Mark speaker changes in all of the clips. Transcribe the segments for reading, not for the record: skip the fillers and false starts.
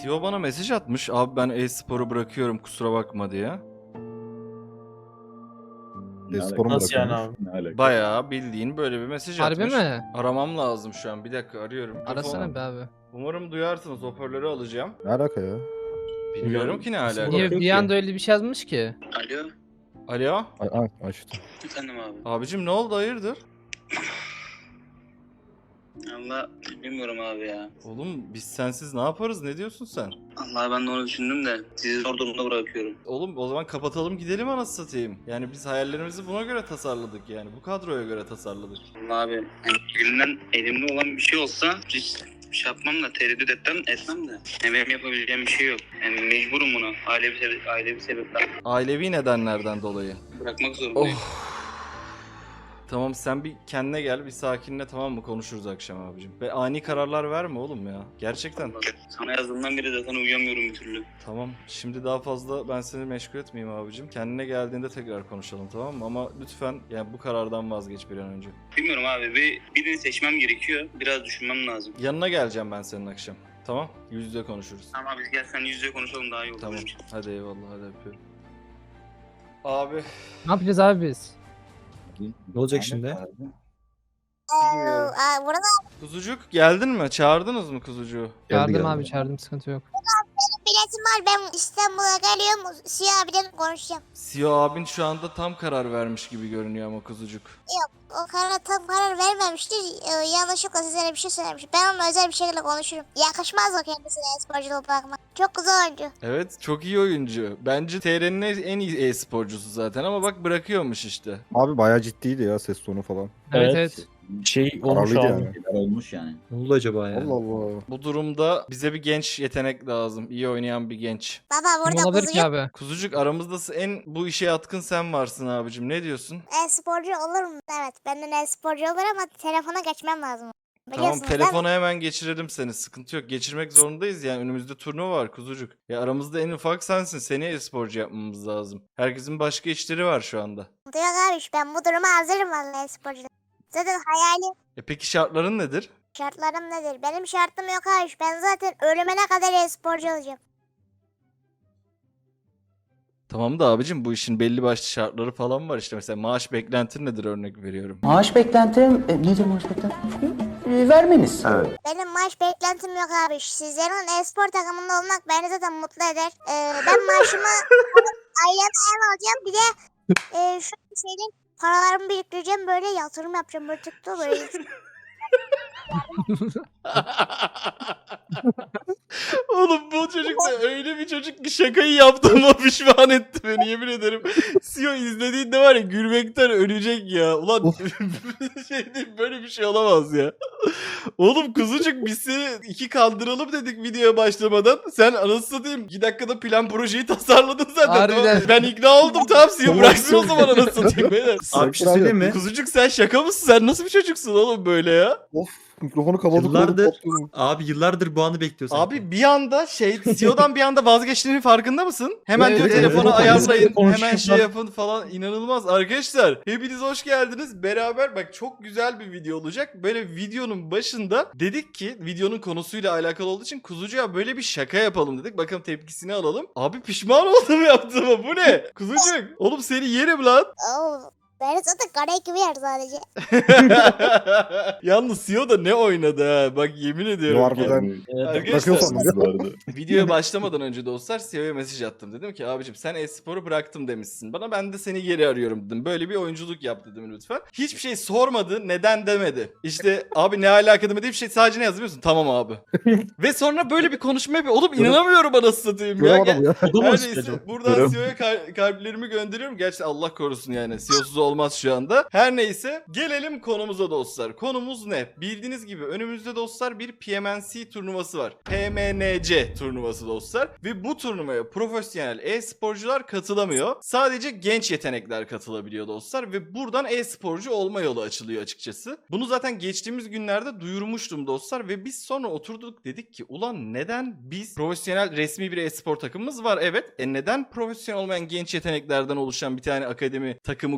Speaker 1: CEO bana mesaj atmış. Abi ben e-sporu bırakıyorum kusura bakma diye.
Speaker 2: Sporu mu
Speaker 3: Nasıl yani
Speaker 2: bırakıyormuş?
Speaker 3: abi?
Speaker 2: Ne alaka?
Speaker 1: Bayağı bildiğin böyle bir mesaj
Speaker 4: Harbi
Speaker 1: atmış.
Speaker 4: mi?
Speaker 1: Aramam lazım şu an. Bir dakika arıyorum.
Speaker 4: Arasana be abi.
Speaker 1: Umarım duyarsınız. Hoparlörü alacağım.
Speaker 2: Ne alaka ya?
Speaker 1: Bilmiyorum ki ne
Speaker 3: Nasıl
Speaker 1: alaka.
Speaker 4: Niye
Speaker 3: bırakıyor
Speaker 4: bir
Speaker 3: ki?
Speaker 4: anda öyle bir şey yazmış ki?
Speaker 5: Alo,
Speaker 1: Alo.
Speaker 2: Açtım.
Speaker 5: efendim abi.
Speaker 1: Abicim ne oldu hayırdır?
Speaker 5: Allah bilmiyorum abi ya.
Speaker 1: Oğlum biz sensiz ne yaparız? Ne diyorsun sen?
Speaker 5: Allah ben de onu düşündüm de sizi zor durumda bırakıyorum.
Speaker 1: Oğlum o zaman kapatalım gidelim anasını satayım. Yani biz hayallerimizi buna göre tasarladık yani. Bu kadroya göre tasarladık.
Speaker 5: Allah abi yani elinden elimde olan bir şey olsa hiç şey yapmam da tereddüt etmem de. Yani benim yapabileceğim bir şey yok. Yani mecburum buna. Ailevi sebepler.
Speaker 1: Ailevi nedenlerden dolayı.
Speaker 5: Bırakmak zorundayım.
Speaker 1: Tamam sen bir kendine gel, bir sakinle, tamam mı? Konuşuruz akşam abicim. Ve ani kararlar verme oğlum ya. Gerçekten.
Speaker 5: Sana yazdığımdan beri zaten uyuyamıyorum bir türlü.
Speaker 1: Tamam. Şimdi daha fazla ben seni meşgul etmeyeyim abicim. Kendine geldiğinde tekrar konuşalım, tamam mı? Ama lütfen yani bu karardan vazgeç bir an önce.
Speaker 5: Bilmiyorum abi birini seçmem gerekiyor. Biraz düşünmem lazım.
Speaker 1: Yanına geleceğim ben senin akşam. Tamam? Yüz yüze konuşuruz.
Speaker 5: Tamam abi gel sen yüz yüze konuşalım daha iyi olur.
Speaker 1: Tamam.
Speaker 5: benim için.
Speaker 1: Hadi eyvallah, hadi öpüyorum. Abi.
Speaker 4: Ne yapacağız abi biz?
Speaker 3: Ne olacak şimdi?
Speaker 1: Bilmiyorum.
Speaker 6: Burada
Speaker 1: Kuzucuk geldin mi? Çağırdınız mı kuzucuğu?
Speaker 4: Çağırdım
Speaker 2: geldi.
Speaker 4: abi çağırdım, sıkıntı yok.
Speaker 6: biletim var, ben İstanbul'a geliyorum, Siyah abiden konuşacağım.
Speaker 1: CEO abin şu anda tam karar vermiş gibi görünüyor ama kuzucuk.
Speaker 6: O tam karar vermemiştir, yanlışlıkla size bir şey söylemiş. Ben onunla özel bir şekilde konuşurum. Yakışmaz o kendisine sporculuğu bırakmak. Çok güzel oyuncu.
Speaker 1: Evet, çok iyi oyuncu. Bence TR'nin en iyi e-sporcusu zaten ama bak bırakıyormuş işte.
Speaker 2: Abi bayağı ciddiydi ya ses tonu falan.
Speaker 4: Evet
Speaker 3: Evet.
Speaker 4: evet.
Speaker 3: Şey olmuş
Speaker 2: Kararlıydı
Speaker 3: abi.
Speaker 2: yani.
Speaker 7: olmuş yani.
Speaker 3: Ne oldu acaba ya?
Speaker 2: Allah Allah.
Speaker 1: Bu durumda bize bir genç yetenek lazım. İyi oynayan bir genç.
Speaker 6: Baba
Speaker 4: Kim
Speaker 6: burada
Speaker 4: olabilir ki
Speaker 6: kuzucu
Speaker 4: abi?
Speaker 1: Kuzucuk aramızda en bu işe yatkın sen varsın abicim. Ne diyorsun?
Speaker 6: sporcu olur mu? Evet, benden sporcu olur ama telefona geçmem lazım.
Speaker 1: Tamam,
Speaker 6: Biliyorsunuz değil mi?
Speaker 1: telefona hemen geçirelim seni. Sıkıntı yok. Geçirmek zorundayız yani. Önümüzde turnuva var kuzucuk. Ya aramızda en ufak sensin. Seni e-sporcu yapmamız lazım. Herkesin başka işleri var şu anda.
Speaker 6: Yok abi, ben bu duruma hazırım vallahi sporcu. Zaten hayalim,
Speaker 1: Peki şartların nedir?
Speaker 6: şartlarım nedir? Benim şartım yok abi. Ben zaten ölümüne kadar sporcu olacağım.
Speaker 1: Tamam da abicim bu işin belli başlı şartları falan var işte. Mesela maaş beklentin nedir örnek veriyorum.
Speaker 7: Maaş beklentim nedir maaş beklentim? Vermeniz. Evet.
Speaker 6: Benim maaş beklentim yok abi. Sizlerin e-spor takımında olmak beni zaten mutlu eder. Ben maaşımı aileme ev alacağım. Bir de şu şeyin paralarımı biriktireceğim. Böyle yatırım yapacağım. Böyle tıktı böyle.
Speaker 1: Oğlum bu çocuk da öyle bir çocuk ki şakayı yaptığıma pişman etti beni, yemin ederim. CEO izlediğinde var ya gülmekten ölecek ya. Ulan şey değil, böyle bir şey olamaz ya. Oğlum kuzucuk biz seni iki kandıralım dedik videoya başlamadan. Sen anasını satayım 2 dakikada plan projeyi tasarladın zaten.
Speaker 4: Harbiden.
Speaker 1: Tamam. Ben ikna oldum, tamam CEO bıraksın o zaman anasını satayım beyler.
Speaker 3: Abi bir şey söyleyeyim mi?
Speaker 1: Kuzucuk sen şaka mısın? Sen nasıl bir çocuksun oğlum böyle ya?
Speaker 2: Of, mikrofonu kapatıp
Speaker 3: Yıllardır, abi yıllardır bu anı bekliyor sanki.
Speaker 1: Abi bir anda CEO'dan bir anda vazgeçtiğinin farkında mısın? Hemen diyor
Speaker 4: Evet,
Speaker 1: telefonu
Speaker 3: evet.
Speaker 1: ayarlayın, hemen
Speaker 3: Konuşuyorlar.
Speaker 1: şey yapın falan, inanılmaz. Arkadaşlar hepiniz hoş geldiniz. Beraber bak çok güzel bir video olacak. Böyle videonun başında dedik ki videonun konusuyla alakalı olduğu için Kuzucuğa böyle bir şaka yapalım dedik. Bakalım tepkisini alalım. Abi pişman oldum yaptığıma, bu ne? Kuzucuk oğlum seni yerim lan.
Speaker 6: Oo, beni zaten kare gibi yer sadece.
Speaker 1: Yalnız CEO da ne oynadı ha. Bak yemin ediyorum.
Speaker 2: Harbiden
Speaker 1: Arkadaşlar
Speaker 2: bırakıyor sandım ya.
Speaker 1: videoya başlamadan önce dostlar CEO'ya mesaj attım. Dedim ki abicim sen e-sporu bıraktım demişsin bana. Ben de seni geri arıyorum dedim. Böyle bir oyunculuk yap dedim lütfen. Hiçbir şey sormadı. Neden demedi. İşte abi ne alaka demedi. Bir şey sadece ne yazıyorsun? Tamam abi. Ve sonra böyle bir konuşma yapıyor. Oğlum inanamıyorum anasını satayım ya.
Speaker 2: Göremedim ya.
Speaker 3: O da mı
Speaker 1: Her
Speaker 3: sıkıcı?
Speaker 1: neyse buradan CEO'ya kalplerimi gönderiyorum. Gerçi Allah korusun yani. CEO'suz olmaz şu anda. Her neyse gelelim konumuza dostlar. Konumuz ne? Bildiğiniz gibi önümüzde dostlar bir PMNC turnuvası var. PMNC turnuvası dostlar. Ve bu turnuvaya profesyonel e-sporcular katılamıyor. Sadece genç yetenekler katılabiliyor dostlar. Ve buradan e-sporcu olma yolu açılıyor açıkçası. Bunu zaten geçtiğimiz günlerde duyurmuştum dostlar. Ve biz sonra oturduk dedik ki ulan neden biz profesyonel resmi bir e-spor takımımız var evet. Neden profesyonel olmayan genç yeteneklerden oluşan bir tane akademi takımı kurup bunu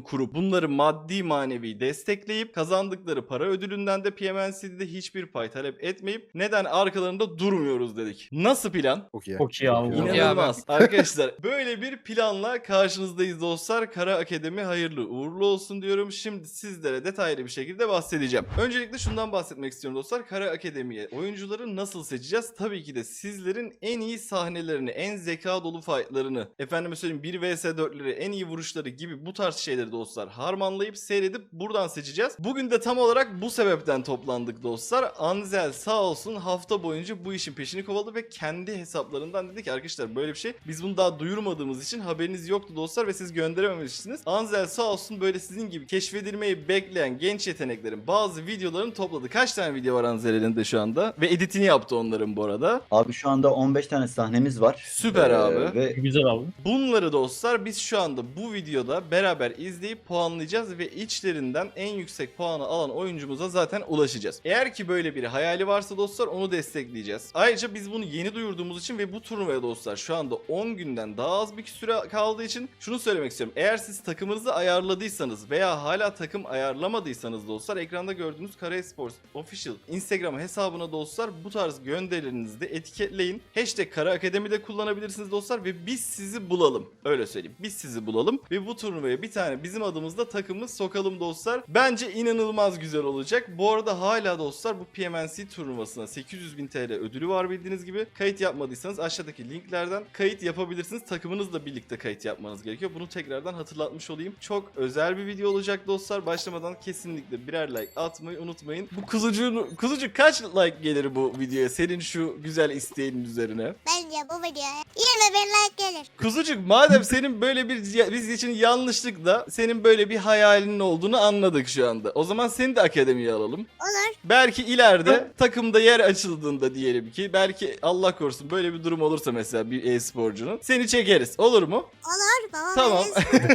Speaker 1: bunları maddi manevi destekleyip kazandıkları para ödülünden de PMNC'de hiçbir pay talep etmeyip neden arkalarında durmuyoruz dedik. Nasıl plan?
Speaker 2: Çok iyi.
Speaker 3: Çok iyi abi.
Speaker 2: Çok iyi.
Speaker 1: İnanılmaz. Arkadaşlar böyle bir planla karşınızdayız dostlar. Kara Akademi hayırlı uğurlu olsun diyorum. Şimdi sizlere detaylı bir şekilde bahsedeceğim. Öncelikle şundan bahsetmek istiyorum dostlar. Kara Akademi'ye oyuncuları nasıl seçeceğiz? Tabii ki de sizlerin en iyi sahnelerini, en zeka dolu fightlarını, efendime söyleyeyim 1 vs 4'leri, en iyi vuruşları gibi bu tarz şeyleri dostlar harmanlayıp seyredip buradan seçeceğiz. Bugün de tam olarak bu sebepten toplandık dostlar. Anzel sağ olsun hafta boyunca bu işin peşini kovaladı ve kendi hesaplarından dedi ki arkadaşlar böyle bir şey biz bunu daha duyurmadığımız için haberiniz yoktu dostlar ve siz gönderememişsiniz. Anzel sağ olsun böyle sizin gibi keşfedilmeyi bekleyen genç yeteneklerin bazı videolarını topladı. Kaç tane video var Anzel elinde şu anda? Ve editini yaptı onların bu arada.
Speaker 8: Abi şu anda 15 tane sahnemiz var.
Speaker 1: Süper abi.
Speaker 8: Ve
Speaker 3: Güzel abi.
Speaker 1: Bunları dostlar biz şu anda bu videoda beraber izleyip puanlayacağız ve içlerinden en yüksek puanı alan oyuncumuza zaten ulaşacağız. Eğer ki böyle bir hayali varsa dostlar onu destekleyeceğiz. Ayrıca biz bunu yeni duyurduğumuz için ve bu turnuvaya dostlar şu anda 10 günden daha az bir süre kaldığı için şunu söylemek istiyorum. Eğer siz takımınızı ayarladıysanız veya hala takım ayarlamadıysanız dostlar ekranda gördüğünüz Kara Esports Official Instagram hesabına dostlar bu tarz gönderilerinizi de etiketleyin. Hashtag Kara Akademi'de kullanabilirsiniz dostlar ve biz sizi bulalım. Öyle söyleyeyim. Biz sizi bulalım ve bu turnuvaya bir tane bizim adımızda takımımız sokalım dostlar. Bence inanılmaz güzel olacak. Bu arada hala dostlar bu PMNC turnuvasına 800.000 TL ödülü var bildiğiniz gibi. Kayıt yapmadıysanız aşağıdaki linklerden kayıt yapabilirsiniz. Takımınızla birlikte kayıt yapmanız gerekiyor. Bunu tekrardan hatırlatmış olayım. Çok özel bir video olacak dostlar. Başlamadan kesinlikle birer like atmayı unutmayın. Bu kuzucuk kaç like gelir bu videoya? Senin şu güzel isteğinin üzerine.
Speaker 6: Bence bu videoya 20.000 like gelir.
Speaker 1: Kuzucuk madem senin böyle bir biz için yanlışlıkla senin böyle bir hayalinin olduğunu anladık şu anda. O zaman seni de akademiye alalım.
Speaker 6: Olur.
Speaker 1: Belki ileride takımda yer açıldığında diyelim ki belki Allah korusun böyle bir durum olursa mesela bir e-sporcunun seni çekeriz. Olur mu?
Speaker 6: Olur. Baba
Speaker 1: Tamam.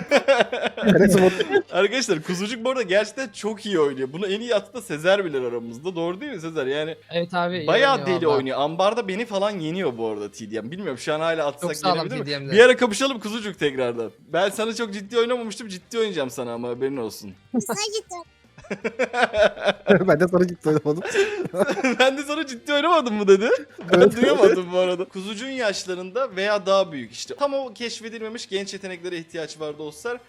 Speaker 6: veririz.
Speaker 1: Arkadaşlar Kuzucuk bu arada gerçekten çok iyi oynuyor. Bunu en iyi attı da Sezer bilir aramızda. Doğru değil mi Sezer? Yani
Speaker 4: Evet abi. iyi
Speaker 1: bayağı
Speaker 4: oynuyor
Speaker 1: deli
Speaker 4: valla.
Speaker 1: oynuyor. Ambarda beni falan yeniyor bu arada TDM. Bilmiyorum şu an hala atsak
Speaker 4: Çok sağlam
Speaker 1: yenebilir mi?
Speaker 4: TDM'de.
Speaker 1: Bir ara kapışalım Kuzucuk tekrardan. Ben sana çok ciddi oynamamıştım. Ciddi oynayacağım sana ama haberin olsun.
Speaker 6: Sana cidden.
Speaker 2: Ben de sana gitti oynamadım.
Speaker 1: Ben de sana ciddi oynamadım mı dedi. Ben duyamadım bu arada. Kuzucuğun yaşlarında veya daha büyük işte. Tam o keşfedilmemiş genç yeteneklere ihtiyaç var dostlar.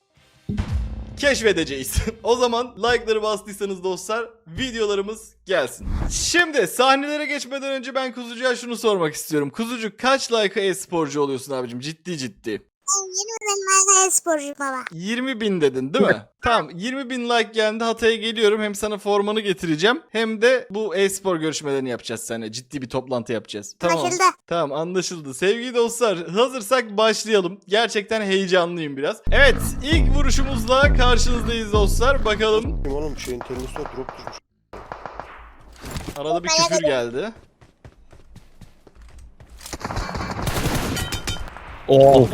Speaker 1: Keşfedeceğiz. O zaman like'ları bastıysanız dostlar videolarımız gelsin. Şimdi sahnelere geçmeden önce ben Kuzucuğa şunu sormak istiyorum. Kuzucuk kaç like'a e-sporcu oluyorsun abicim? Ciddi.
Speaker 6: Ben 20.000 like sporcuyum baba.
Speaker 1: 20.000 dedin değil mi? Tamam 20.000 like geldi Hatay'a geliyorum. Hem sana formanı getireceğim hem de bu e-spor görüşmelerini yapacağız seninle. Ciddi bir toplantı yapacağız. Tamam.
Speaker 6: Anlaşıldı.
Speaker 1: Tamam anlaşıldı. Sevgili dostlar hazırsak başlayalım. Gerçekten heyecanlıyım biraz. Evet ilk vuruşumuzla karşınızdayız dostlar. Bakalım.
Speaker 9: Oğlum şeyin terörist var drop düşmüş.
Speaker 1: Arada bir küfür geldi.
Speaker 3: Oh.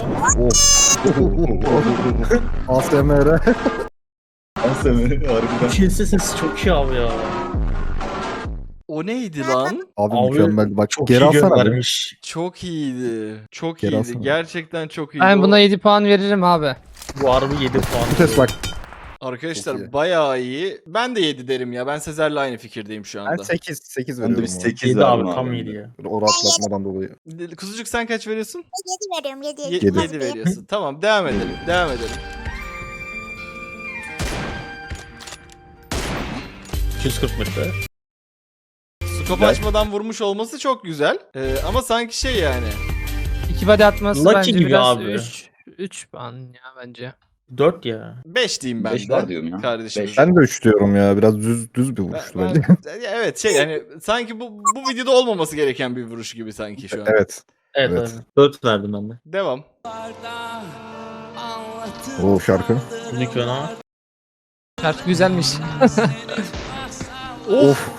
Speaker 2: ASMR.
Speaker 8: harbiden.
Speaker 3: Kilse sesi çok iyi abi ya.
Speaker 1: O neydi lan?
Speaker 2: Abi,
Speaker 3: Abi,
Speaker 2: mükemmel. Bak
Speaker 3: Çok
Speaker 2: geri
Speaker 3: iyi
Speaker 2: alsana. Be.
Speaker 3: göndermiş.
Speaker 1: Çok iyiydi. Çok
Speaker 2: Geri
Speaker 1: iyiydi.
Speaker 2: alsana.
Speaker 1: Gerçekten çok iyiydi.
Speaker 4: Ben
Speaker 1: O-
Speaker 4: buna 7 puan veririm abi.
Speaker 3: Bu harbi 7 puan.
Speaker 2: Vites bak.
Speaker 1: Arkadaşlar
Speaker 2: Çok iyi.
Speaker 1: bayağı iyi. Ben de 7 derim ya. Ben Sezer'le aynı fikirdeyim şu
Speaker 2: Ben
Speaker 1: anda.
Speaker 2: 8
Speaker 8: Ben de
Speaker 2: veriyorum.
Speaker 8: bir
Speaker 2: ona.
Speaker 8: 8
Speaker 3: 7
Speaker 8: verdim
Speaker 3: abi tam 7 ya.
Speaker 2: O rahatlatmadan dolayı.
Speaker 1: Kuzucuk sen kaç veriyorsun?
Speaker 6: 7 veriyorum 7.
Speaker 1: 7
Speaker 2: Yedi.
Speaker 1: veriyorsun. Tamam devam edelim. Devam edelim.
Speaker 3: 240 metre.
Speaker 1: Skop açmadan vurmuş olması çok güzel. Ama sanki şey yani.
Speaker 4: 2 body atması
Speaker 3: Lucky
Speaker 4: bence
Speaker 3: gibi
Speaker 4: biraz
Speaker 3: abi.
Speaker 4: 3 puan ya bence.
Speaker 3: 4 ya.
Speaker 1: 5 diyeyim ben
Speaker 8: 5
Speaker 1: de.
Speaker 8: var diyorum ya.
Speaker 1: Kardeşim.
Speaker 8: Beş.
Speaker 2: Ben de 3 diyorum ya. Biraz düz bir vuruştu bence.
Speaker 1: Evet şey yani sanki bu videoda olmaması gereken bir vuruş gibi sanki şu an.
Speaker 2: Evet.
Speaker 3: Evet,
Speaker 2: Evet.
Speaker 3: abi. 4 verdim ben de.
Speaker 1: Devam.
Speaker 2: O şarkı.
Speaker 3: Nick Vena.
Speaker 4: Şarkı güzelmiş.
Speaker 2: Of.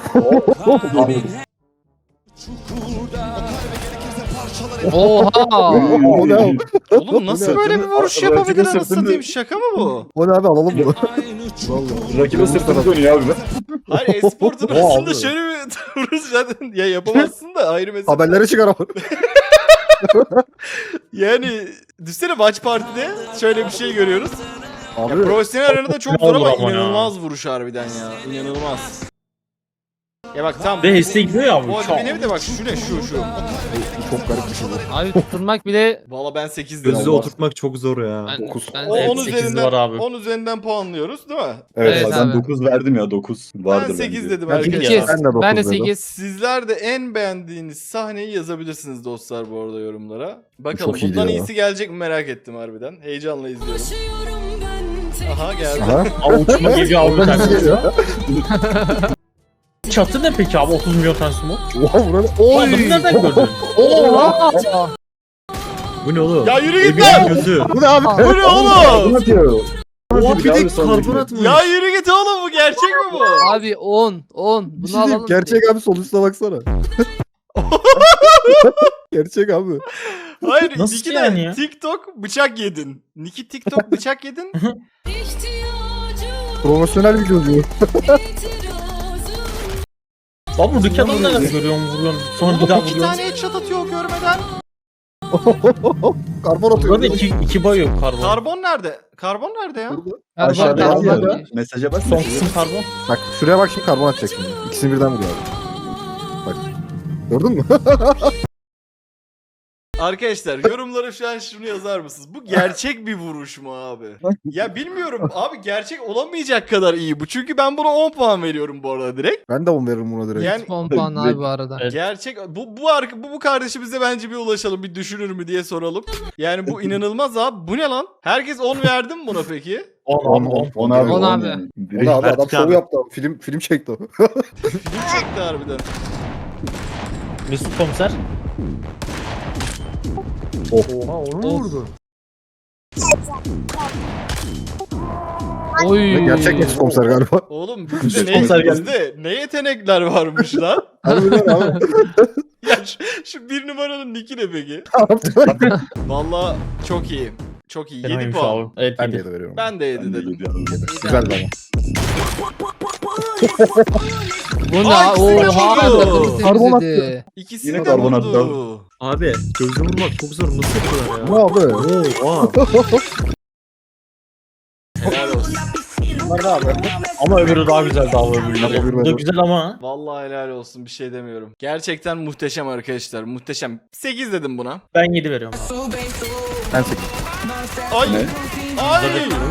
Speaker 4: Oha.
Speaker 2: O ne abi?
Speaker 1: Oğlum nasıl böyle bir vuruş
Speaker 8: Rakibe
Speaker 1: yapabilir anasını
Speaker 8: sırtını-
Speaker 1: satayım? Şaka mı bu?
Speaker 2: O ne abi alalım bunu.
Speaker 8: Rakibe sırtını dönüyor abi.
Speaker 1: Hayır e-spor
Speaker 2: Oha
Speaker 1: turnuvasında
Speaker 2: abi.
Speaker 1: şöyle bir vuruş zaten ya yapamazsın da ayrı mesele.
Speaker 2: Haberlere çıkar ama.
Speaker 1: Yani düşünsene Watch Party'de şöyle bir şey görüyoruz.
Speaker 2: Abi
Speaker 1: Profesyonel arenada çok
Speaker 3: Ne
Speaker 1: zor ama
Speaker 3: olur ama ya.
Speaker 1: inanılmaz vuruş harbiden ya. İnanılmaz. Ya bak tam.
Speaker 3: Ve heste gidiyor ya
Speaker 1: Bu
Speaker 3: bu.
Speaker 1: arada benim de bak şu ne şu.
Speaker 2: çok garip bir şey bu.
Speaker 4: Abi tutturmak bile
Speaker 1: Valla ben 8 dedim.
Speaker 10: Gözü oturtmak çok zor ya.
Speaker 4: ben,
Speaker 2: Dokuz.
Speaker 4: ben
Speaker 1: O
Speaker 4: de-
Speaker 1: 10
Speaker 3: 8
Speaker 1: üzerinden
Speaker 3: var abi.
Speaker 1: 10 üzerinden puanlıyoruz değil mi?
Speaker 8: Evet,
Speaker 4: Evet
Speaker 8: ben
Speaker 4: abi.
Speaker 8: 9 verdim ya 9 vardır
Speaker 1: Ben 8
Speaker 8: bence.
Speaker 1: dedim
Speaker 2: Ben
Speaker 1: arkadaşlar.
Speaker 4: 8.
Speaker 2: Ben de dokuz
Speaker 4: Ben de
Speaker 2: dedim.
Speaker 4: 8.
Speaker 1: Sizler de en beğendiğiniz sahneyi yazabilirsiniz dostlar bu arada yorumlara. Bakalım
Speaker 2: Çok iyiydi
Speaker 1: bundan
Speaker 2: ya.
Speaker 1: iyisi gelecek mi merak ettim harbiden. Heyecanla izliyorum. Aha geldi.
Speaker 2: Aha.
Speaker 3: Abi uçma geliyor abi.
Speaker 2: Oradan
Speaker 3: Sen.
Speaker 2: geliyor.
Speaker 3: Çatı ne peki abi 30 milyon tane smoke?
Speaker 2: Oha burada.
Speaker 3: O adamı nereden gördün?
Speaker 4: Oha!
Speaker 10: Bu ne oğlum?
Speaker 1: Ya yürü git
Speaker 10: Ege'nin
Speaker 1: lan!
Speaker 10: gözü.
Speaker 2: Bu ne abi?
Speaker 1: Bu ne oğlum?
Speaker 8: atıyor.
Speaker 10: Oha bir de
Speaker 8: Abi sonraki-
Speaker 10: karbon atmış.
Speaker 1: Ya yürü git oğlum bu gerçek mi bu?
Speaker 4: Abi 10. Bunu
Speaker 2: Bir şey diyeyim,
Speaker 4: alalım.
Speaker 2: gerçek abi sonuçta baksana. Gerçek abi.
Speaker 1: Hayır
Speaker 3: Nasıl
Speaker 1: Niki
Speaker 3: yani
Speaker 1: de
Speaker 3: ya?
Speaker 1: TikTok bıçak yedin. Niki TikTok bıçak yedin.
Speaker 2: Profesyonel video diyor.
Speaker 3: Abi buradaki adamı nereden görüyorum vuruyorum. Sonra bir daha
Speaker 1: Oğlum 2
Speaker 3: vuruyorum.
Speaker 1: tane headshot atıyor görmeden.
Speaker 2: Karbon atıyor.
Speaker 3: Burada iki bay yok karbon.
Speaker 1: Karbon nerede? Karbon nerede ya?
Speaker 8: Aşağıda
Speaker 4: Karbon,
Speaker 8: yazıyor.
Speaker 4: karbon.
Speaker 8: Mesaja bak.
Speaker 3: Son kısım karbon.
Speaker 2: Bak şuraya bak şimdi karbon atacak şimdi. İkisini birden vuruyor abi. Bak. Gördün mü?
Speaker 1: Arkadaşlar yorumlara şu an şunu yazar mısınız? Bu gerçek bir vuruş mu abi? Ya bilmiyorum abi gerçek olamayacak kadar iyi bu. Çünkü ben buna 10 puan veriyorum bu arada direkt.
Speaker 2: Ben de 10 veririm buna direkt.
Speaker 1: Yani
Speaker 4: 10 puan abi bu arada.
Speaker 3: Evet.
Speaker 1: gerçek bu kardeşimize bence bir ulaşalım bir düşünür mü diye soralım. Yani bu inanılmaz abi. Bu ne lan? Herkes 10 verdi mi buna peki?
Speaker 3: 10 10.
Speaker 8: 10 abi.
Speaker 4: 10
Speaker 8: 10
Speaker 4: abi.
Speaker 8: yani.
Speaker 2: O ne abi adam
Speaker 10: Vertik
Speaker 2: şov
Speaker 10: abi.
Speaker 2: yaptı abi. Film çekti o.
Speaker 1: Film çekti harbiden.
Speaker 3: Mesut komiser.
Speaker 2: Oha onu mu vurdu?
Speaker 4: Oy.
Speaker 2: Gerçek Mesut komiser galiba.
Speaker 1: Oğlum
Speaker 8: Mesut
Speaker 1: bizde
Speaker 8: Komiser geldi.
Speaker 1: bizde ne yetenekler varmış lan?
Speaker 2: Harbiden abi.
Speaker 1: Ya şu bir numaranın nicki ne peki? Valla çok iyi. Çok iyi. 7
Speaker 3: Fenaymış
Speaker 1: puan.
Speaker 3: abi. Evet
Speaker 2: Ben de
Speaker 3: 7.
Speaker 2: 7 veriyorum.
Speaker 1: Ben de 7
Speaker 8: Ben de
Speaker 1: dedim.
Speaker 8: gidiyorum.
Speaker 2: Güzel ama.
Speaker 4: Bu ne?
Speaker 1: Aa, ikisi de
Speaker 4: Oha.
Speaker 1: vurdu.
Speaker 4: Takımı
Speaker 2: Karbon
Speaker 4: temizledi.
Speaker 1: İkisini
Speaker 8: Yine
Speaker 1: de
Speaker 8: karbon attı
Speaker 1: vurdu.
Speaker 10: Abi gözle vurmak çok zor. Nasıl yapıyorlar
Speaker 2: Ne
Speaker 10: ya?
Speaker 2: abi?
Speaker 10: Oha.
Speaker 1: Helal olsun.
Speaker 2: Bunlar ne abi?
Speaker 3: Ama öbürü daha güzeldi abi öbürleri.
Speaker 2: Öbürü
Speaker 3: Bu da
Speaker 2: benim.
Speaker 3: güzel ama.
Speaker 1: Vallahi helal olsun bir şey demiyorum. Gerçekten muhteşem arkadaşlar. Muhteşem. 8 dedim buna.
Speaker 3: Ben 7 veriyorum abi.
Speaker 2: Ben 8.
Speaker 1: Ay.
Speaker 8: Ne?
Speaker 1: Ay.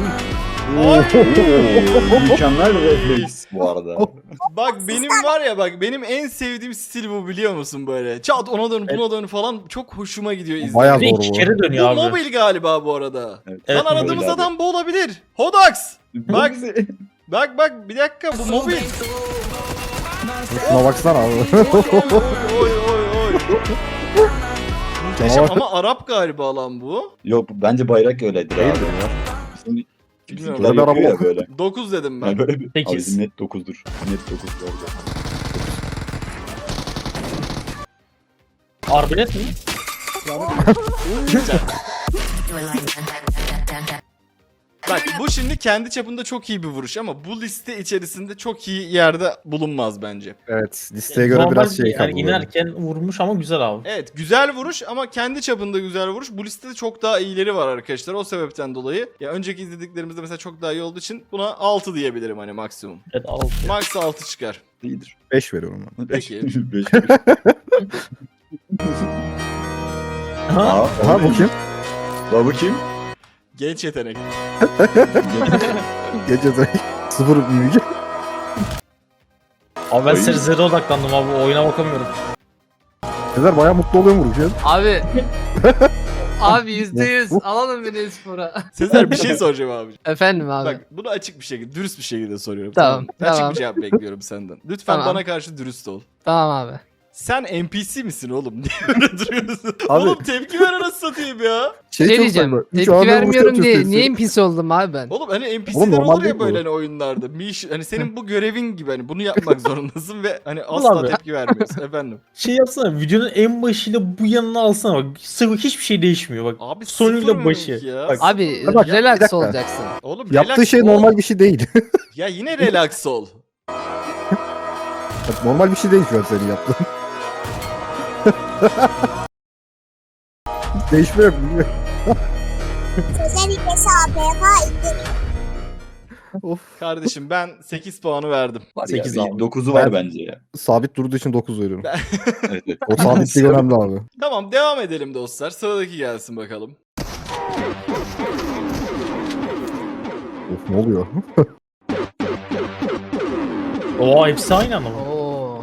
Speaker 8: Mükemmel refleks bu arada.
Speaker 1: Bak benim var ya bak benim en sevdiğim stil bu biliyor musun böyle. Çat ona dön buna dön falan çok hoşuma gidiyor izlemek.
Speaker 2: Bayağı
Speaker 3: Bir de
Speaker 2: zor
Speaker 3: 2
Speaker 2: bu.
Speaker 3: kere
Speaker 1: Bu
Speaker 3: dönüyor abi.
Speaker 1: mobil galiba bu arada.
Speaker 8: Evet.
Speaker 1: Lan
Speaker 3: Evet,
Speaker 1: aradığımız
Speaker 8: mobil abi.
Speaker 1: adam bu olabilir. Hodax. Bak. Bak bir dakika bu mobil.
Speaker 2: Şuna baksana abi.
Speaker 1: Oy. Muhteşem
Speaker 2: Canavar.
Speaker 1: ama Arap galiba lan bu.
Speaker 8: Yok bence bayrak öyledir abi.
Speaker 2: Değildir ya.
Speaker 8: Bizim
Speaker 1: Bilmiyorum.
Speaker 8: bizimkiler
Speaker 2: Ben
Speaker 8: yapıyor ya
Speaker 2: araba-
Speaker 8: böyle.
Speaker 1: 9 dedim ben.
Speaker 8: Yani böyle bir...
Speaker 3: Sekiz.
Speaker 8: Abi bizim net 9'dur. Net 9 bu arada.
Speaker 3: Arbelet mi?
Speaker 1: Bak bu şimdi kendi çapında çok iyi bir vuruş ama bu liste içerisinde çok iyi yerde bulunmaz bence.
Speaker 2: Evet listeye göre
Speaker 3: Normal
Speaker 2: biraz şey
Speaker 3: yani
Speaker 2: kaldı. böyle.
Speaker 3: inerken vurmuş ama güzel abi.
Speaker 1: Evet güzel vuruş ama kendi çapında güzel vuruş. Bu listede çok daha iyileri var arkadaşlar. O sebepten dolayı ya önceki izlediklerimizde mesela çok daha iyi olduğu için buna 6 diyebilirim hani maksimum.
Speaker 3: Evet 6.
Speaker 1: Max 6 çıkar.
Speaker 8: İyidir.
Speaker 2: 5 veriyorum ben.
Speaker 1: Peki.
Speaker 8: 5.
Speaker 3: Ha?
Speaker 2: Aha bu kim?
Speaker 8: Bu kim?
Speaker 1: Genç yetenek.
Speaker 2: Gece direkt 0 bilgi.
Speaker 3: Abi ben
Speaker 8: Oyun-
Speaker 3: serizlere odaklandım abi. Oyuna bakamıyorum.
Speaker 2: Sezer bayağı mutlu oluyor mu vururken?
Speaker 4: Abi. Abi %100 alalım beni espora.
Speaker 1: Sezer bir şey soracağım abi.
Speaker 4: Efendim abi.
Speaker 1: Bak bunu açık bir şekilde, dürüst bir şekilde soruyorum.
Speaker 4: Tamam,
Speaker 1: mı? Açık
Speaker 4: tamam.
Speaker 1: bir cevap bekliyorum senden. Lütfen
Speaker 4: Tamam.
Speaker 1: bana karşı dürüst ol.
Speaker 4: Tamam abi.
Speaker 1: Sen NPC misin oğlum? Niye böyle duruyorsun?
Speaker 2: Abi-
Speaker 1: Oğlum tepki ver anasını satayım ya.
Speaker 4: Şey
Speaker 2: çok
Speaker 4: diyeceğim.
Speaker 2: saçma. Üç
Speaker 4: Tepki
Speaker 2: anda
Speaker 4: vermiyorum
Speaker 2: vuruşlar
Speaker 4: diye
Speaker 2: çok
Speaker 4: niye
Speaker 2: sesi.
Speaker 4: NPC oldum abi ben?
Speaker 1: Oğlum hani
Speaker 2: Oğlum
Speaker 1: NPC'ler
Speaker 2: normal
Speaker 1: olur
Speaker 2: değil
Speaker 1: ya
Speaker 2: bu.
Speaker 1: böyle hani oyunlarda. Hani senin bu görevin gibi hani bunu yapmak zorundasın ve hani
Speaker 3: Ulan
Speaker 1: asla
Speaker 3: be.
Speaker 1: tepki vermiyorsun efendim.
Speaker 3: Şey yapsana videonun en başıyla bu yanına alsana bak. Sıvı hiçbir şey değişmiyor bak.
Speaker 1: Abi
Speaker 3: Sonuyla
Speaker 1: sıfır
Speaker 3: başı.
Speaker 1: mimik ya.
Speaker 3: Bak,
Speaker 4: Abi
Speaker 2: Bak, bir
Speaker 4: relax
Speaker 2: dakika.
Speaker 4: olacaksın.
Speaker 1: Oğlum
Speaker 2: Yaptığı
Speaker 1: relax
Speaker 2: şey
Speaker 1: ol.
Speaker 2: normal bir şey değil.
Speaker 1: Ya yine relax ol.
Speaker 2: Bak, normal bir şey değil şu an senin yaptığın. Değişme yok.
Speaker 6: Özellikle APK indir.
Speaker 2: Of.
Speaker 1: Kardeşim ben 8 puanı verdim.
Speaker 8: Var
Speaker 10: 8
Speaker 8: ya,
Speaker 10: abi.
Speaker 8: 9'u var
Speaker 2: Ben-
Speaker 8: bence ya.
Speaker 2: Sabit durduğu için 9 veriyorum.
Speaker 8: Evet, evet.
Speaker 2: O sabitlik önemli abi.
Speaker 1: Tamam devam edelim dostlar. Sıradaki gelsin bakalım.
Speaker 2: Of ne oluyor?
Speaker 3: Oo hepsi aynı anda mı?
Speaker 4: Oo.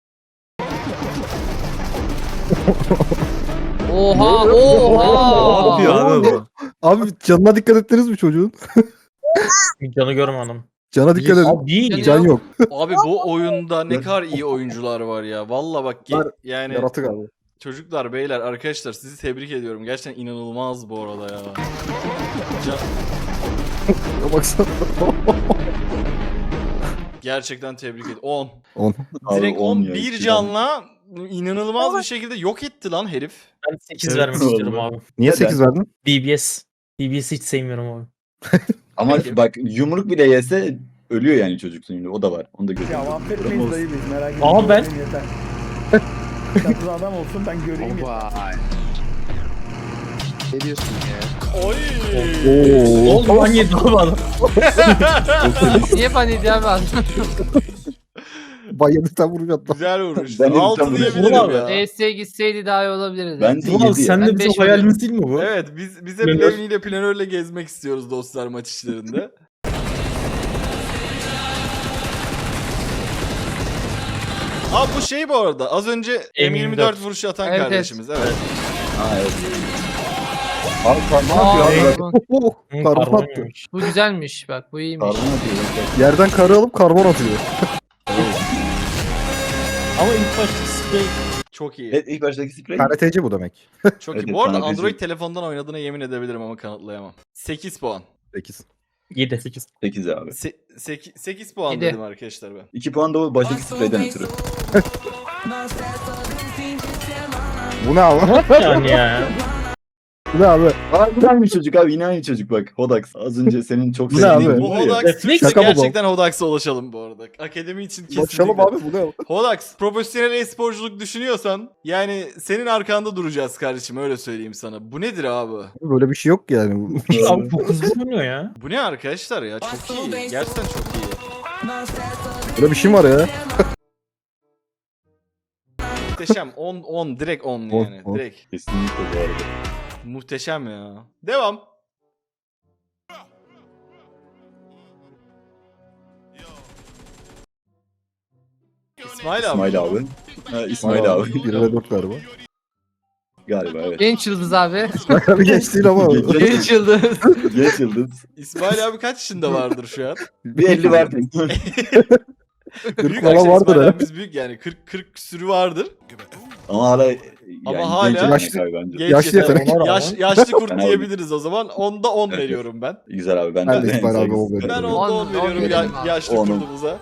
Speaker 4: Oha
Speaker 10: Ne
Speaker 4: oha.
Speaker 10: yapıyor abi bu?
Speaker 2: Abi canına dikkat ettiniz mi çocuğun?
Speaker 3: Canı görmedim.
Speaker 2: Cana dikkat edin.
Speaker 3: Abi değil.
Speaker 2: Can yok.
Speaker 1: Abi bu oyunda ne kadar iyi oyuncular var ya. Valla bak
Speaker 2: Var,
Speaker 1: yani
Speaker 2: Yaratık abi.
Speaker 1: çocuklar, beyler, arkadaşlar sizi tebrik ediyorum. Gerçekten inanılmaz bu arada ya.
Speaker 2: Ya baksana.
Speaker 1: Gerçekten tebrik ediyorum. 10.
Speaker 2: 10.
Speaker 1: Direkt
Speaker 8: Abi,
Speaker 1: 10
Speaker 8: ya,
Speaker 1: bir
Speaker 8: iki
Speaker 1: canla inanılmaz bir şekilde yok etti lan herif.
Speaker 3: Ben 8
Speaker 10: Evet,
Speaker 3: vermek
Speaker 8: doğru.
Speaker 3: istiyorum abi.
Speaker 2: Niye
Speaker 8: Neden?
Speaker 2: 8 verdin?
Speaker 3: DBS. DBS'i hiç sevmiyorum abi.
Speaker 8: Ama
Speaker 1: Peki.
Speaker 8: bak yumruk bile yese ölüyor yani çocuk şimdi. O da var. Onu da
Speaker 9: Ya
Speaker 8: görüyorum.
Speaker 9: affetmeyiz dayı biz merak etme.
Speaker 3: Aa, ben-
Speaker 9: Göreyim yeter. Çatıda adam olsun ben göreyim yeter.
Speaker 4: Ne diyorsun ya?
Speaker 1: Oy.
Speaker 3: Ne oldu lan yedi abi adam.
Speaker 4: Niye paniydi abi adam?
Speaker 2: Bayyadıktan vuracaktım.
Speaker 1: Güzel vuruş.
Speaker 8: Ben de
Speaker 1: 6
Speaker 8: tam
Speaker 1: diyebilirim
Speaker 3: vuruşum.
Speaker 1: ya.
Speaker 4: DS'ye gitseydi daha iyi olabilirdi.
Speaker 8: Bence
Speaker 3: Ulan
Speaker 8: 7 ya.
Speaker 3: sen de
Speaker 4: Ben
Speaker 3: bizim
Speaker 4: beş
Speaker 3: hayalimiz değil mi bu?
Speaker 1: Evet biz hep
Speaker 3: Planör.
Speaker 1: Levni planörle gezmek istiyoruz dostlar maç işlerinde. Abi bu şey bu arada az önce M24
Speaker 3: M24
Speaker 1: vuruşu atan
Speaker 4: Evet,
Speaker 1: kardeşimiz. Evet.
Speaker 8: Ha, evet. Abi karnına
Speaker 4: Aa,
Speaker 8: atıyor abi.
Speaker 4: bu,
Speaker 2: Oh,
Speaker 3: Hı,
Speaker 2: karbon
Speaker 3: karbon
Speaker 2: attı.
Speaker 3: yemiş.
Speaker 4: bu güzelmiş bak bu iyiymiş.
Speaker 8: Karnına atıyor.
Speaker 2: Yerden karı alıp karbon atıyor.
Speaker 3: Ama ilk başta sprey
Speaker 1: Çok iyi.
Speaker 8: Evet ilk baştaki sprey.
Speaker 2: KRTC bu demek.
Speaker 1: Çok
Speaker 8: Evet,
Speaker 1: iyi. Bu arada
Speaker 8: evet,
Speaker 1: Android telefondan oynadığına yemin edebilirim ama kanıtlayamam. 8 puan.
Speaker 2: 8.
Speaker 3: 7. 8.
Speaker 8: 8 abi.
Speaker 1: 8 puan
Speaker 4: Yedi.
Speaker 1: dedim arkadaşlar ben.
Speaker 8: 2 puan da o baştaki spreyden ötürü.
Speaker 2: Bu ne abi?
Speaker 3: Yani ya.
Speaker 2: Bu ne abi?
Speaker 8: Aa yine aynı çocuk abi yine aynı çocuk bak. Hodax. Az önce senin çok
Speaker 2: Bu ne
Speaker 8: sevdiğin
Speaker 2: abi?
Speaker 1: Bu
Speaker 8: var ya.
Speaker 1: Hodax
Speaker 3: Refleks
Speaker 1: Türkse
Speaker 2: şaka mı bu?
Speaker 1: gerçekten Hodax'a ulaşalım bu arada. Akademi için kesinlikle.
Speaker 2: Başlayalım abi bu ne?
Speaker 1: Hodax profesyonel e-sporculuk düşünüyorsan yani senin arkanda duracağız kardeşim öyle söyleyeyim sana. Bu nedir abi?
Speaker 2: Böyle bir şey yok yani.
Speaker 3: Abi çok hızlı oynuyor ya.
Speaker 1: Bu ne arkadaşlar ya? Çok iyi. Gerçekten çok iyi.
Speaker 2: Böyle bir şey mi var ya?
Speaker 1: Muhteşem. 10 direkt 10 yani.
Speaker 2: 10.
Speaker 1: Direkt.
Speaker 8: Kesinlikle bu arada.
Speaker 1: Muhteşem ya. Devam. İsmail abi.
Speaker 8: İsmail abi. Ha, İsmail abi.
Speaker 2: 1 ve 4 galiba.
Speaker 8: Galiba evet.
Speaker 4: Genç yıldız abi.
Speaker 2: Bir geç değil ama.
Speaker 4: Genç yıldız.
Speaker 8: Genç yıldız.
Speaker 1: İsmail abi kaç yaşında vardır şu an?
Speaker 8: Bir 50 var.
Speaker 1: Büyük
Speaker 2: falan
Speaker 1: arkadaşlar
Speaker 2: vardır
Speaker 1: İsmail
Speaker 2: ha.
Speaker 1: abimiz büyük yani 40 küsürü vardır.
Speaker 8: Ama hala
Speaker 1: Ama hala-
Speaker 8: genç
Speaker 2: Yaşlı-
Speaker 8: yetenek abi bence.
Speaker 1: Genç
Speaker 2: Yaşlı
Speaker 1: yetenek.
Speaker 2: yetenek.
Speaker 1: Yaşlı kurt
Speaker 8: Ben
Speaker 1: diyebiliriz o zaman. Onda 10
Speaker 8: Evet,
Speaker 1: veriyorum ben.
Speaker 8: Güzel abi ben
Speaker 2: Ben de
Speaker 8: de
Speaker 2: İsmail abi
Speaker 8: saygısız.
Speaker 2: o veriyorum.
Speaker 1: Ben
Speaker 2: On,
Speaker 1: 10'da 10
Speaker 4: on
Speaker 1: veriyorum
Speaker 4: verelim abi.
Speaker 1: yaşlı
Speaker 8: Onun.
Speaker 1: kurdumuza.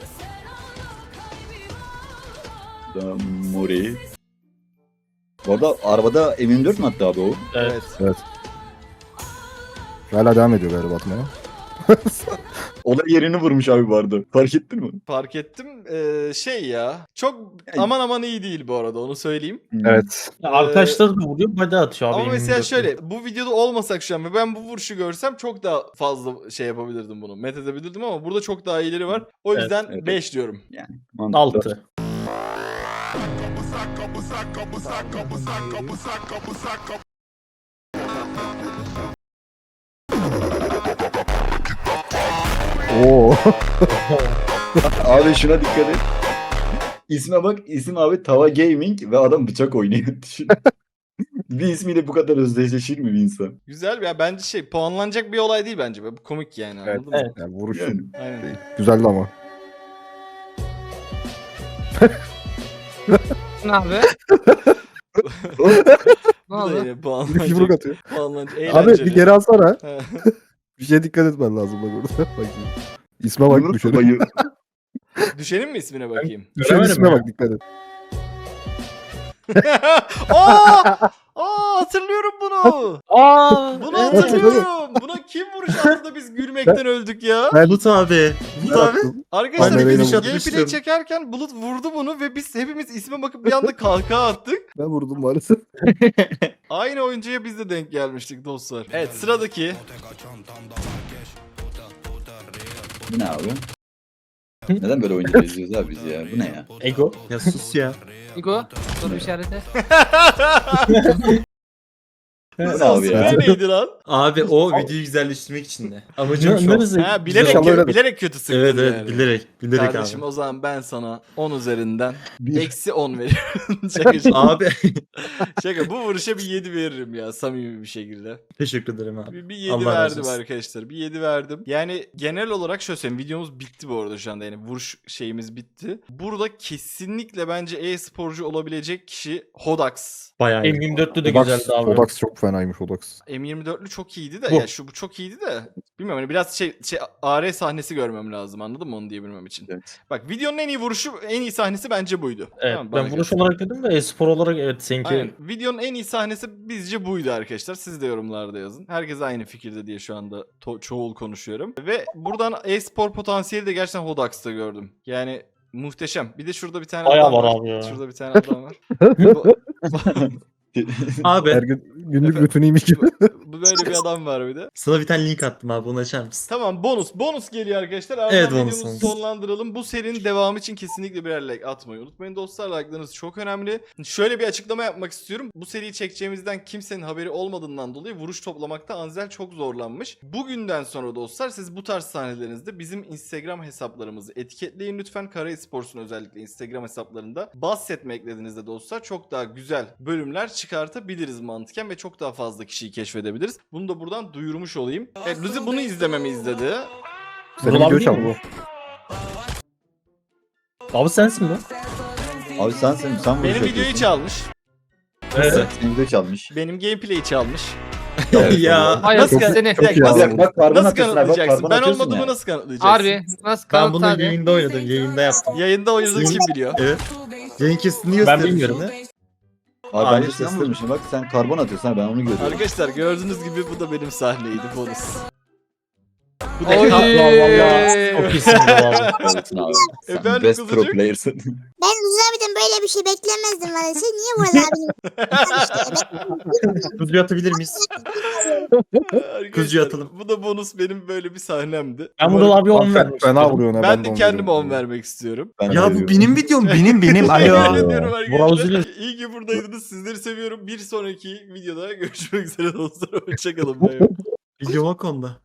Speaker 8: Da Mori. Bu arada arabada M24 mi attı abi o?
Speaker 3: Evet.
Speaker 1: Evet.
Speaker 2: Hala devam ediyor galiba atmaya.
Speaker 8: O da yerini vurmuş abi bu arada. Fark ettin mi?
Speaker 1: Fark ettim. Şey ya. Çok
Speaker 8: Yani-
Speaker 1: aman aman iyi değil bu arada onu söyleyeyim.
Speaker 2: Evet.
Speaker 3: Ya arkadaşlar da vuruyor, body atıyor abi.
Speaker 1: Ama mesela
Speaker 3: 24'te.
Speaker 1: şöyle bu videoda olmasak şu an ve ben bu vuruşu görsem çok daha fazla şey yapabilirdim bunu. Met edebilirdim ama burada çok daha iyileri var. O
Speaker 3: Evet,
Speaker 1: yüzden
Speaker 8: evet.
Speaker 1: 5 diyorum.
Speaker 8: Yani mantıklı.
Speaker 3: 6.
Speaker 2: Oo.
Speaker 8: Abi şuna dikkat et. İsme bak isim abi Tava Gaming ve adam bıçak oynuyor. Düşün. Bir ismiyle bu kadar özdeşleşir mi bir insan?
Speaker 1: Güzel ya bence şey puanlanacak bir olay değil bence. Bu komik yani
Speaker 2: Evet,
Speaker 1: anladın mı?
Speaker 3: evet.
Speaker 2: Yani vuruş
Speaker 8: Yani.
Speaker 1: Aynen.
Speaker 2: güzeldi ama.
Speaker 4: Ne abi? Ne
Speaker 1: Bu da
Speaker 4: oldu?
Speaker 1: yine
Speaker 2: Bir yumruk
Speaker 1: puanlanacak.
Speaker 2: atıyor.
Speaker 1: Puanlanacak.
Speaker 2: Abi
Speaker 1: Eğlenceli.
Speaker 2: bir geri alsana.
Speaker 1: He.
Speaker 2: Bir şeye dikkat etmen lazım bak orada. Bak şimdi. İsme bak
Speaker 8: Yumruk
Speaker 2: düşelim.
Speaker 8: bayı.
Speaker 1: Düşenin mi ismine bakayım?
Speaker 2: Düşen
Speaker 3: Göremedim
Speaker 2: isme
Speaker 3: ya.
Speaker 2: bak dikkat et.
Speaker 1: Hatırlıyorum bunu.
Speaker 3: Aa!
Speaker 1: Bunu
Speaker 3: evet.
Speaker 1: hatırlıyorum. Buna kim vuruş attı da biz gülmekten öldük ya.
Speaker 10: Bulut abi. Bulut abi.
Speaker 1: Arkadaşlar
Speaker 2: Ben de
Speaker 1: biz
Speaker 2: öyle
Speaker 1: gameplay
Speaker 10: atmıştım.
Speaker 1: çekerken Bulut vurdu bunu ve biz hepimiz isme bakıp bir anda kahkaha attık.
Speaker 2: Ben vurdum maalesef.
Speaker 1: Aynı oyuncuya biz de denk gelmiştik dostlar. Evet sıradaki.
Speaker 8: Bu ne abi? Neden böyle oyuncular izliyoruz abi biz ya? Bu ne ya?
Speaker 3: Ego.
Speaker 10: Ya sus ya.
Speaker 4: Igo. Soru işareti.
Speaker 8: Bu ne abi ya?
Speaker 1: Ne neydi lan?
Speaker 10: Abi o videoyu güzelleştirmek için de. Amacım şu.
Speaker 3: Neresi?
Speaker 1: Ha, bilerek,
Speaker 2: İnşallah öyledir.
Speaker 1: bilerek kötü sıktın
Speaker 10: Evet evet
Speaker 1: yani.
Speaker 10: bilerek
Speaker 1: Kardeşim
Speaker 10: abi.
Speaker 1: o zaman ben sana 10 üzerinden
Speaker 8: Bir.
Speaker 1: eksi 10 veriyorum. şaka, şaka.
Speaker 10: Abi
Speaker 1: Şaka, bu vuruşa bir 7 veririm ya samimi bir şekilde.
Speaker 10: teşekkür ederim abi.
Speaker 1: Bir 7
Speaker 10: Allah razı
Speaker 1: verdim
Speaker 10: olsun.
Speaker 1: arkadaşlar. Bir 7 verdim. Yani genel olarak şöyle söyleyeyim. Videomuz bitti bu arada şu anda. Yani vuruş şeyimiz bitti. Burada kesinlikle bence e-sporcu olabilecek kişi Hodax.
Speaker 10: Bayağı iyi.
Speaker 3: M24'lü de
Speaker 2: Odax,
Speaker 3: güzeldi abi.
Speaker 2: Odax çok fenaymış Odax.
Speaker 1: M24'lü çok iyiydi de
Speaker 3: Bu.
Speaker 1: ya bu çok iyiydi de bilmiyorum hani biraz AR sahnesi görmem lazım, anladın mı onu diyebilmem için.
Speaker 8: Evet.
Speaker 1: Bak videonun en iyi vuruşu, en iyi sahnesi bence buydu.
Speaker 3: Evet,
Speaker 1: Tamam mı? Bana
Speaker 3: ben vuruş
Speaker 1: göre.
Speaker 3: olarak dedim de e-spor olarak evet seninki.
Speaker 1: Aynen. Videonun en iyi sahnesi bizce buydu arkadaşlar. Siz de yorumlarda yazın. Herkes aynı fikirde diye şu anda çoğul konuşuyorum. Ve buradan e-spor potansiyeli de gerçekten Hodax'ta gördüm. Yani muhteşem. Bir de şurada bir tane
Speaker 3: Bayağı
Speaker 1: adam
Speaker 3: var abi ya.
Speaker 1: Şurada bir tane adam var. Bu-
Speaker 10: Abi
Speaker 2: Her gün günlük rutiniymiş gibi.
Speaker 1: bu böyle bir adam var bir de.
Speaker 10: sana bir tane link attım abi onu açar mısın?
Speaker 1: Tamam, bonus geliyor arkadaşlar. Ardından
Speaker 10: Evet, bonus,
Speaker 1: videomuzu
Speaker 10: bonus.
Speaker 1: sonlandıralım. Bu serinin devamı için kesinlikle birer like atmayı unutmayın dostlar. Like'larınız çok önemli. Şöyle bir açıklama yapmak istiyorum. Bu seriyi çekeceğimizden kimsenin haberi olmadığından dolayı vuruş toplamakta Anzel çok zorlanmış. Bugünden sonra dostlar siz bu tarz sahnelerinizde bizim Instagram hesaplarımızı etiketleyin lütfen. Kara Esports'un özellikle Instagram hesaplarında bahsetme eklediğinizde dostlar çok daha güzel bölümler çıkartabiliriz mantıken ve çok daha fazla kişiyi keşfedebiliriz. Bunu da buradan duyurmuş olayım. Evet, Luzi bunu izlememi izledi.
Speaker 2: Senin
Speaker 3: Ulan
Speaker 2: video
Speaker 3: değil
Speaker 2: çaldı
Speaker 3: mi
Speaker 2: bu.
Speaker 3: Abi sensin bu.
Speaker 8: Abi sen
Speaker 1: Benim
Speaker 8: vuruş
Speaker 1: videoyu
Speaker 8: yapıyorsun.
Speaker 1: çalmış.
Speaker 3: Evet.
Speaker 8: Senin video çalmış.
Speaker 1: Benim gameplay'i çalmış.
Speaker 10: Ya
Speaker 4: Hayır
Speaker 1: Nasıl
Speaker 4: seni.
Speaker 1: Bir dakika,
Speaker 2: iyi abi.
Speaker 8: Bak karbon
Speaker 1: nasıl
Speaker 8: atıyorsun abi. Bak
Speaker 1: kanıtlayacaksın?
Speaker 8: karbon
Speaker 1: Ben
Speaker 8: atıyorsun
Speaker 1: olmadığımı
Speaker 8: ya.
Speaker 1: nasıl kanıtlayacaksın?
Speaker 4: Harbi. Nasıl
Speaker 10: ben
Speaker 4: kanıt
Speaker 10: bunu
Speaker 4: hadi.
Speaker 10: yayında oynadım yayında yaptım.
Speaker 1: Yayında oynadığını kim biliyor?
Speaker 10: Evet. Yayın kesitini
Speaker 3: Ben
Speaker 10: gösterdim
Speaker 3: bilmiyorum.
Speaker 10: sana.
Speaker 8: Abi
Speaker 10: Abi
Speaker 8: ben de
Speaker 10: sen
Speaker 8: sen vurmuşum. Bak sen karbon atıyorsun abi ben onu görüyorum.
Speaker 1: Arkadaşlar gördüğünüz gibi bu da benim sahneydi bonus. Bu da
Speaker 4: Oy.
Speaker 3: Çok iyisin bu abi.
Speaker 8: Evet abi. Sen
Speaker 1: Efendim
Speaker 8: best
Speaker 1: kızıcık?
Speaker 8: pro player'sın.
Speaker 6: Ben Uzun abiden böyle bir şey beklemezdim maalesef. Niye Vural abinin?
Speaker 10: Kuzuyu atabilir miyiz?
Speaker 1: Arkadaşlar,
Speaker 10: Kuzuyu atalım.
Speaker 1: Bu da bonus, benim böyle bir sahnemdi.
Speaker 3: Ben
Speaker 1: Umarım-
Speaker 3: Vural abi 10
Speaker 2: Fena
Speaker 3: vermek istiyorum.
Speaker 2: vuruyor ne
Speaker 1: Ben de
Speaker 2: on
Speaker 1: kendime 10
Speaker 2: veriyorum.
Speaker 1: vermek istiyorum.
Speaker 8: Ben
Speaker 10: Ya bu
Speaker 8: veriyorum.
Speaker 10: benim videom benim.
Speaker 1: Yemin
Speaker 10: Alo.
Speaker 1: ediyorum
Speaker 3: Vural
Speaker 1: arkadaşlar.
Speaker 3: üzülür.
Speaker 1: İyi ki buradaydınız. Sizleri seviyorum. Bir sonraki videoda görüşmek üzere dostlar. Hoşçakalın. Bay bay.
Speaker 10: Videoma konda.